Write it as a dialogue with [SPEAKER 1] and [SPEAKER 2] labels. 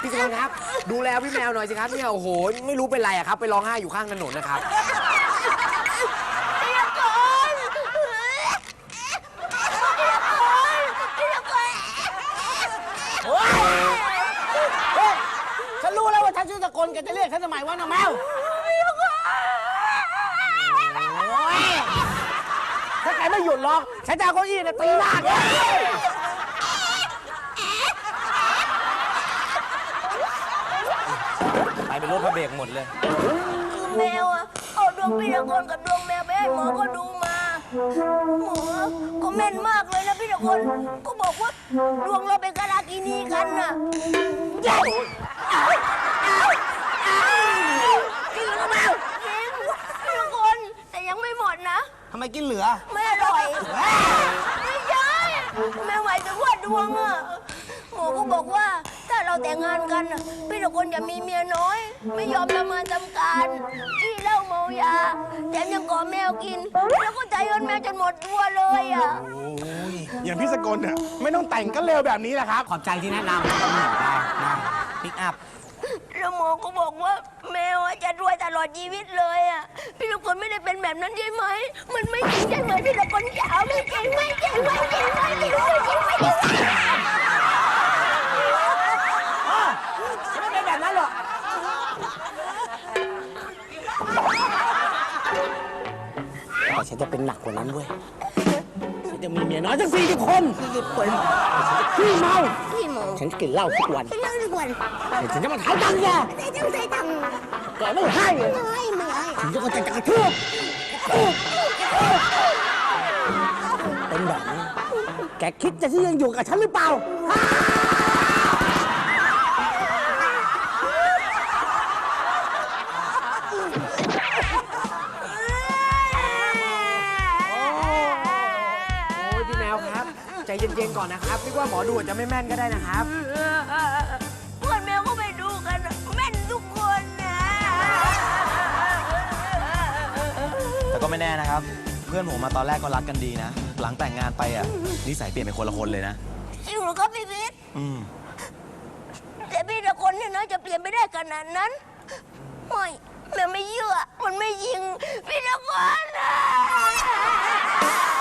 [SPEAKER 1] พี่สกลครับดูแลพี่แมวหน่อยสิครับเนี่ยโอ้โหไม่รู้เป็นไรอะครับไปร้องไห้อยู่ข้างถนนนะครับ
[SPEAKER 2] ฉันรู้แล้วว่าฉันชื่อสกลแกจะเรียกฉันทำไมวะน้องแมวถ้าแกไม่หยุดร้องฉันจะเอาเก้าอี้เนี่ยตีหน้าแก
[SPEAKER 1] ไปเป็นรถพระเบรกหมดเลย
[SPEAKER 3] คือแมวอะเอาดวงพี่ตะกลกับดวงแมวไปให้หมอก็ดูมาหมอก็แม่นมากเลยนะพี่ตะกลก็บอกว่าดวงเราเป็นกาลากินีกันน่ะจริงหรือเปล่าจริงพี่ตะกลแต่ยังไม่หมดนะ
[SPEAKER 2] ทำไมกินเหลือ
[SPEAKER 3] ไม่อร่อยไม่ใช่แม่หมายถึงว่าดวงอะหมอก็บอกว่าถ้าเราแต่งงานกันพี่ตะกลจะมีเมียน้อยไม่ยอมทำงานทำการขี้เหล้าเมายาแถมยังก่อแมวกินแล้วก็ใจเอินแมวจนหมดตัวเลยอ่ะ
[SPEAKER 4] อย่างพี่สกลเนี่ยไม่ต้องแต่งก็เร็วแบบนี้แหละครับ
[SPEAKER 1] ขอบใจที่แนะนำได้ปิกอัพ
[SPEAKER 3] แล้วหมอก็บอกว่าแมวจะรวยตลอดชีวิตเลยอ่ะพี่ตะกลไม่ได้เป็นแบบนั้นใช่ไหมมันไม่จริงใช่ไหมพี่ตะกลจ๋าไม่จริงไม่จริงไม่จริงไม่จริงไม่จริงไม่จริง
[SPEAKER 2] ไม่เป็นแบบนั้นหรอกแต่ฉันจะเป็นหนักกว่านั้นเว้ยฉันจะมีเมียน้อยทั้ง40 คนขี้เมาฉันกินเหล้าทุกวันฉันจะมาถ่ายตังค์แกแกไม่ให้เลยฉันจะกระทืบเป็นแบบนี้แกคิดจะที่ยังอยู่กับฉันหรือเปล่า
[SPEAKER 1] ใจเย็นๆก่อนนะครับนึกว่าหมอดูจะไม่แม่นก็ได้นะครับ
[SPEAKER 3] เพื่อนแมวก็ไปดูกันแม่นทุกคนนะ
[SPEAKER 5] แต่ก็ไม่แน่นะครับเพื่อนผมมาตอนแรกก็รักกันดีนะหลังแต่งงานไปอ่ะนิสัยเปลี่ยนเป็นคนละคนเลยนะ
[SPEAKER 3] จริงหรือครับพี่พิษแต่พี่ตะกลเนี่ยนะจะเปลี่ยนไปได้ขนาดนั้นไม่แม่ไม่เชื่อมันไม่ยิงพี่ตะกลนะ